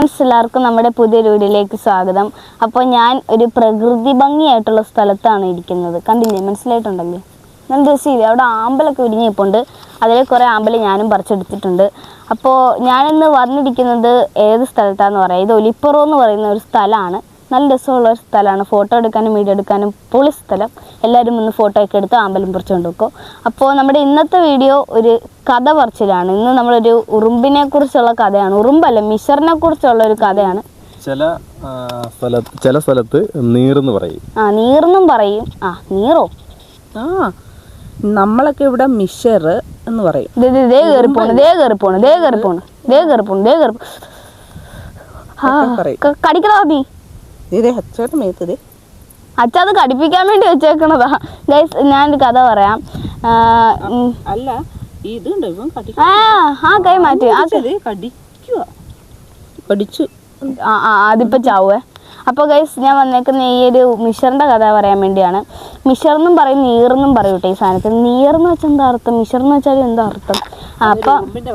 എല്ലാവർക്കും നമ്മുടെ പുതിയൊരു വീഡിയോയിലേക്ക് സ്വാഗതം. അപ്പോൾ ഞാൻ ഒരു പ്രകൃതി ഭംഗിയായിട്ടുള്ള സ്ഥലത്താണ് ഇരിക്കുന്നത്. കണ്ടില്ലേ, മനസ്സിലായിട്ടുണ്ടല്ലേ? ഞാൻ രസമില്ല, അവിടെ ആമ്പലൊക്കെ വിരിഞ്ഞിപ്പുണ്ട്. അതിൽ കുറേ ആമ്പൽ ഞാനും പറിച്ചെടുത്തിട്ടുണ്ട്. അപ്പോൾ ഞാനിന്ന് വന്നിരിക്കുന്നത് ഏത് സ്ഥലത്താണെന്ന് പറയാം, ഇത് ഒലിപ്പുറം എന്ന് പറയുന്ന ഒരു സ്ഥലമാണ്. നല്ല രസമുള്ള ഒരു സ്ഥലമാണ്, ഫോട്ടോ എടുക്കാനും വീഡിയോ എടുക്കാനും പൊളി സ്ഥലം. എല്ലാവരും ഒന്ന് ഫോട്ടോ ഒക്കെ എടുത്ത് ആമ്പലം പറിച്ചുകൊണ്ട് വെക്കും. അപ്പോൾ നമ്മുടെ ഇന്നത്തെ വീഡിയോ ഒരു കഥ പറച്ചിലാണ്. ഇന്ന് നമ്മളൊരു ഉറുമ്പിനെ കുറിച്ചുള്ള കഥയാണ്. ഉറുമ്പല്ല, മിഷറിനെ കുറിച്ചുള്ള ഒരു കഥയാണ്. ചില സ്ഥലത്ത് നീർന്ന് പറയും. നീർന്നും പറയും. നീറോ? നമ്മളൊക്കെ ഇവിടെ മിഷർ എന്ന് പറയും. കടിക്കണോ നീ? അച്ഛ അത് കടിപ്പിക്കാൻ വേണ്ടി വെച്ചേക്കണതാ. ഗൈസ്, ഞാനൊരു കഥ പറയാം. അല്ല, കൈ മാറ്റി കടിച്ചു. അതിപ്പോ ചാവുവേ. അപ്പോൾ ഗൈസ്, ഞാൻ വന്നേക്കുന്ന ഈ ഒരു മിഷറിൻ്റെ കഥ പറയാൻ വേണ്ടിയാണ്. മിഷറെന്നും പറയും, നീറെന്നും പറയും കേട്ടോ ഈ സാധനത്തിന്. നീറെന്ന് വെച്ചാൽ എന്താ അർത്ഥം, മിഷറെന്ന് വെച്ചാൽ എന്താ അർത്ഥം? അപ്പം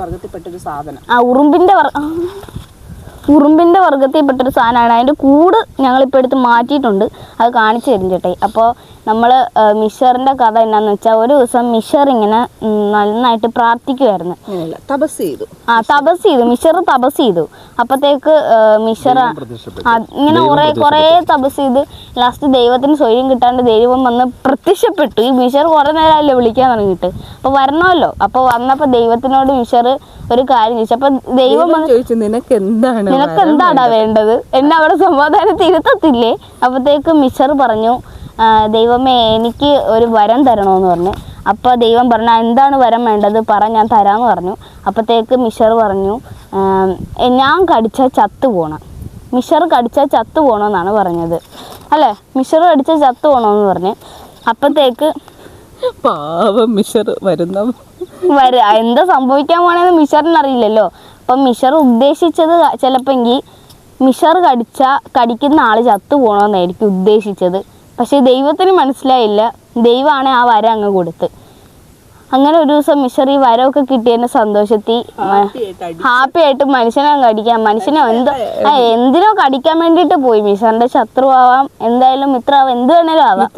ഉറുമ്പിൻ്റെ വർഗ്ഗത്തിൽപ്പെട്ടൊരു സാധനമാണ്. അതിൻ്റെ കൂട് ഞങ്ങളിപ്പോൾ എടുത്ത് മാറ്റിയിട്ടുണ്ട്, അത് കാണിച്ചു തരും ചേട്ടേ. അപ്പോൾ നമ്മൾ മിഷറിൻ്റെ കഥ എന്നാന്ന് വെച്ചാൽ, ഒരു ദിവസം മിഷർ ഇങ്ങനെ നന്നായിട്ട് പ്രാർത്ഥിക്കുമായിരുന്നു. തപസ് ചെയ്തു മിഷർ തപസ് ചെയ്തു. അപ്പോഴത്തേക്ക് മിഷർ ഇങ്ങനെ കുറേ തപസ് ചെയ്ത് ലാസ്റ്റ് ദൈവത്തിന് സ്വയം കിട്ടാണ്ട് ദൈവം വന്ന് പ്രത്യക്ഷപ്പെട്ടു. ഈ മിഷർ കുറേ നേരമല്ലേ വിളിക്കാൻ തുടങ്ങിയിട്ട്, അപ്പോൾ വരണമല്ലോ. അപ്പോൾ വന്നപ്പോൾ ദൈവത്തിനോട് മിഷർ ഒരു കാര്യം ചോദിച്ചു. അപ്പോൾ ദൈവം ചോദിച്ചു, നിനക്ക് എന്താടാ വേണ്ടത്, എന്നെ അവിടെ സമാധാനത്തിൽ ഇരുത്തത്തില്ലേ? അപ്പോഴത്തേക്ക് മിഷർ പറഞ്ഞു, ദൈവമേ എനിക്ക് ഒരു വരം തരണമെന്ന് പറഞ്ഞു. അപ്പോൾ ദൈവം പറഞ്ഞു, എന്താണ് വരം വേണ്ടത് പറ, ഞാൻ തരാമെന്ന് പറഞ്ഞു. അപ്പോഴത്തേക്ക് മിഷർ പറഞ്ഞു, ഞാൻ കടിച്ചാൽ ചത്തു പോകണം. മിഷർ കടിച്ചാൽ ചത്തു പോകണമെന്നാണ് പറഞ്ഞത് അല്ലേ? മിഷർ കടിച്ചാൽ ചത്തു പോകണമെന്ന് പറഞ്ഞ്. അപ്പോഴത്തേക്ക് പാവം മിഷർ എന്താ സംഭവിക്കാൻ പോണെന്ന് മിഷറിന് അറിയില്ലല്ലോ. അപ്പം മിഷർ ഉദ്ദേശിച്ചത് ചിലപ്പോൾ മിഷർ കടിക്കുന്ന ആൾ ചത്തു പോകണമെന്നായിരിക്കും ഉദ്ദേശിച്ചത്. പക്ഷേ ദൈവത്തിന് മനസ്സിലായില്ല. ദൈവമാണ് ആ വരം അങ്ങ് കൊടുത്ത്. അങ്ങനെ ഒരു ദിവസം മിഷർ ഈ വരമൊക്കെ കിട്ടിയതിൻ്റെ സന്തോഷത്തിൽ ഹാപ്പി ആയിട്ട് മനുഷ്യനെ എന്തിനോ കടിക്കാൻ വേണ്ടിയിട്ട് പോയി. മിഷറിന്റെ ശത്രു ആവാം, എന്തായാലും മിത്രമാവാം, എന്ത് വേണേലും ആവാം,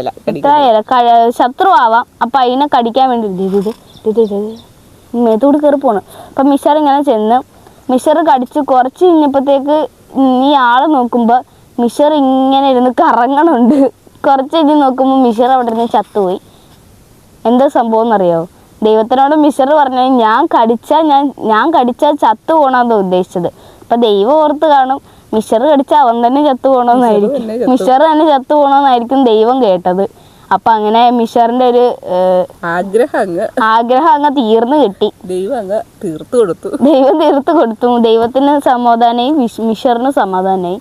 ശത്രു ആവാം. അപ്പം അതിനെ കടിക്കാൻ വേണ്ടി മേത്തോട് കയറി പോണ്. അപ്പം മിഷർ ഇങ്ങനെ ചെന്ന് മിഷർ കടിച്ച് കുറച്ച് കഴിഞ്ഞപ്പോഴത്തേക്ക് ഈ ആള് നോക്കുമ്പോൾ മിഷർ ഇങ്ങനെ ഇരുന്ന് കറങ്ങണുണ്ട്. കുറച്ച് കഴിഞ്ഞ് നോക്കുമ്പോൾ മിഷർ അവിടെ നിന്ന് ചത്തുപോയി. എന്താ സംഭവം എന്നറിയോ? ദൈവത്തിനോട് മിഷർ പറഞ്ഞത്, ഞാൻ കടിച്ചാൽ ചത്തു പോകണമെന്നാണ് ഉദ്ദേശിച്ചത്. അപ്പം ദൈവം ഓർത്ത് കാണും, മിഷർ കടിച്ചാൽ അവൻ തന്നെ ചത്തു പോകണമെന്നായിരിക്കും, മിഷർ തന്നെ ചത്തു പോകണമെന്നായിരിക്കും ദൈവം കേട്ടത്. അപ്പം അങ്ങനെ മിഷറിന്റെ ഒരു ആഗ്രഹം അങ്ങ് തീർന്നു കിട്ടി. ദൈവം തീർത്തു കൊടുത്തു. ദൈവത്തിന് സമാധാനമായി, മിഷറിന് സമാധാനമായി.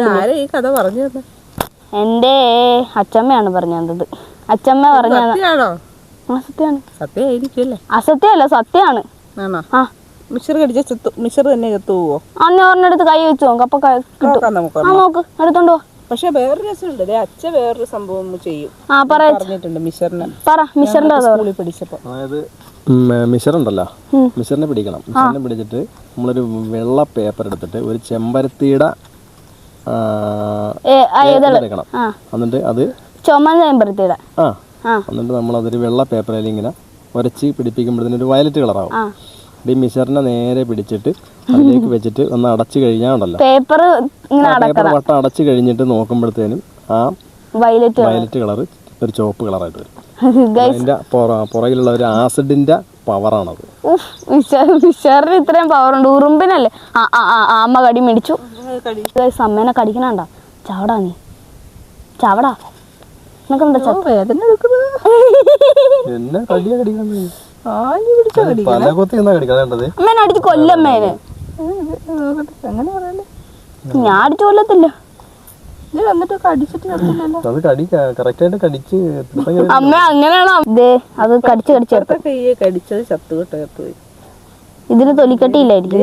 എൻ്റെ അച്ചമ്മയാണ് പറഞ്ഞു തന്നത്. അച്ചമ്മ പറഞ്ഞു അസത്യമല്ല, സത്യമാണ്. മിഷർ കടിച്ച മിഷർ തന്നെ ചത്തുപോവോ? അന്ന് ഒരെണ്ണടുത്ത് കൈ വെച്ചു നോക്ക്, അപ്പൊ നോക്ക്, എടുത്തോണ്ട് പോ. പക്ഷെ വേറൊരു രസമുണ്ട്, അച്ഛൻ വേറൊരു സംഭവം ചെയ്യും. പറഞ്ഞിട്ടുണ്ട് മിഷറിന്റെ സ്കൂളിൽ പഠിച്ചപ്പോ. അതായത് മിഷറുണ്ടല്ലോ, മിഷറിനെ പിടിക്കണം. മിഷറിനെ പിടിച്ചിട്ട് നമ്മളൊരു വെള്ള പേപ്പർ എടുത്തിട്ട് ഒരു ചെമ്പരത്തിയുടെ എടുക്കണം. എന്നിട്ട് അത് ചുമന്ന ചെമ്പരത്തിയുടെ എന്നിട്ട് നമ്മളതൊരു വെള്ള പേപ്പറിൽ ഇങ്ങനെ ഉരച്ച് പിടിപ്പിക്കുമ്പോഴത്തേന് ഒരു വയലറ്റ് കളറാവും. ഈ മിഷറിനെ നേരെ പിടിച്ചിട്ട് അതിലേക്ക് വെച്ചിട്ട് ഒന്ന് അടച്ചു കഴിഞ്ഞാൽ ഉണ്ടല്ലോ, പേപ്പർ വട്ടം അടച്ചു കഴിഞ്ഞിട്ട് നോക്കുമ്പോഴത്തേനും ആ വയലറ്റ് കളർ ഒരു ചുവപ്പ് കളറായിട്ട് വരും. അതിന്റെ പുറകിലുള്ള ഒരു ആസിഡിന്റെ പവറാണത്. മിഷറിന് ഇത്രയും പവറുണ്ട്, ഉറുമ്പിനല്ലേ? അമ്മ കടി മേടിച്ചു. അമ്മേനെ കടിക്കണണ്ട, ചാവടാ നീ, ചാവടാ. അമ്മേനെ അടിച്ച് കൊല്ലമ്മേനെ. ഞാൻ അടിച്ചു കൊല്ലത്തില്ല. അമ്മ അങ്ങനെയാണോ? അത് കടിച്ചത് ചത്തുപോയി. ഇതിന് തൊലിക്കട്ടിയില്ലായിരിക്കും.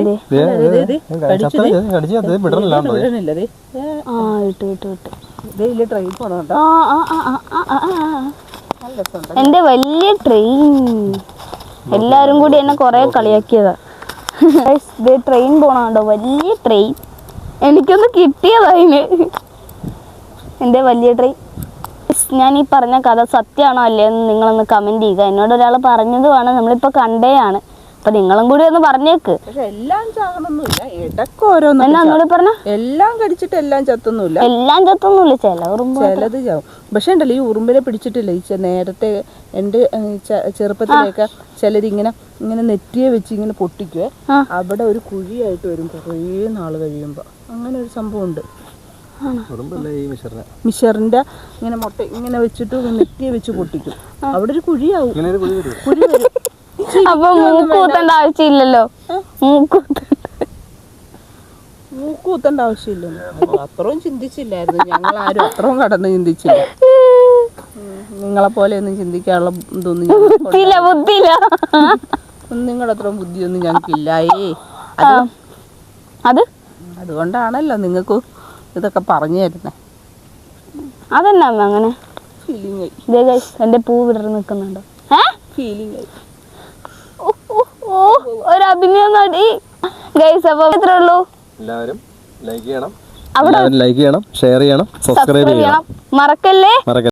എന്റെ വലിയ ട്രെയിൻ. എല്ലാരും കൂടി എന്നെ കൊറേ കളിയാക്കിയതാ. ട്രെയിൻ പോണോ, വലിയ ട്രെയിൻ. എനിക്കൊന്ന് കിട്ടിയതതിന് എൻ്റെ വലിയ ട്രൈ. ഞാൻ ഈ പറഞ്ഞ കഥ സത്യമാണോ അല്ലേ എന്ന് നിങ്ങളൊന്ന് കമൻറ്റ് ചെയ്യുക. എന്നോട് ഒരാൾ പറഞ്ഞതുമാണ്, നമ്മളിപ്പോൾ കണ്ടേയാണ്. അപ്പം നിങ്ങളും കൂടി ഒന്ന് പറഞ്ഞേക്ക്. പക്ഷെ എല്ലാം ചാകണമൊന്നുമില്ല, ഇടയ്ക്ക് ഓരോന്നും. എന്നാ ഒന്നുകൂടി പറഞ്ഞ. എല്ലാം കടിച്ചിട്ട് എല്ലാം ചത്തൊന്നുമില്ല, എല്ലാം ചത്തൊന്നുമില്ല, ചില ഉറുമ്പ് ചിലത് ചാവും. പക്ഷെ ഉണ്ടല്ലോ ഈ ഉറുമ്പിനെ പിടിച്ചിട്ടില്ല, ഈ നേരത്തെ എൻ്റെ ചെറുപ്പത്തിലേക്ക് ചിലരിങ്ങനെ ഇങ്ങനെ നെറ്റിയെ വെച്ച് ഇങ്ങനെ പൊട്ടിക്കുവേ, അവിടെ ഒരു കുഴിയായിട്ട് വരും കുറേ നാൾ കഴിയുമ്പോൾ. അങ്ങനെ ഒരു സംഭവം ഉണ്ട്. മിഷറിന്റെ ഇങ്ങനെ മുട്ട ഇങ്ങനെ വെച്ചിട്ട് നെറ്റിയെ വെച്ച് പൊട്ടിക്കും, അവിടെ ഒരു കുഴിയാവും. കുഴി വരും. അപ്പൊ മൂക്കൂത്തേണ്ട ആവശ്യമില്ലല്ലോ. മൂക്കൂത്തേണ്ട ആവശ്യമില്ലല്ലോ. അത്രയും ചിന്തിച്ചില്ലായിരുന്നു ഞങ്ങൾ ആരും, അത്രയും കടന്ന് ചിന്തിച്ചില്ല. നിങ്ങളെ പോലെ ഒന്നും ചിന്തിക്കാനുള്ള ഇതൊന്നും നിങ്ങളുടെ അത്രയും ബുദ്ധിയൊന്നും ഞങ്ങൾക്കില്ലായേ. അതുകൊണ്ടാണല്ലോ നിങ്ങൾക്ക് ഇതൊക്കെ പറഞ്ഞു തരുന്നേ. അതെന്നാ അങ്ങനെ ഫീലിംഗ് ആയി. എന്റെ പൂ വിടർന്ന് നിൽക്കുന്നുണ്ടോ? ഫീലിംഗ് ആയി. ഒരു അഭിനയം നടി ഗൈസ്. അപ്പൊ ഇത്രേ ഉള്ളൂ. എല്ലാവരും ലൈക്ക് ചെയ്യണം, ഷെയർ ചെയ്യണം, സബ്സ്ക്രൈബ് ചെയ്യണം. മറക്കല്ലേ.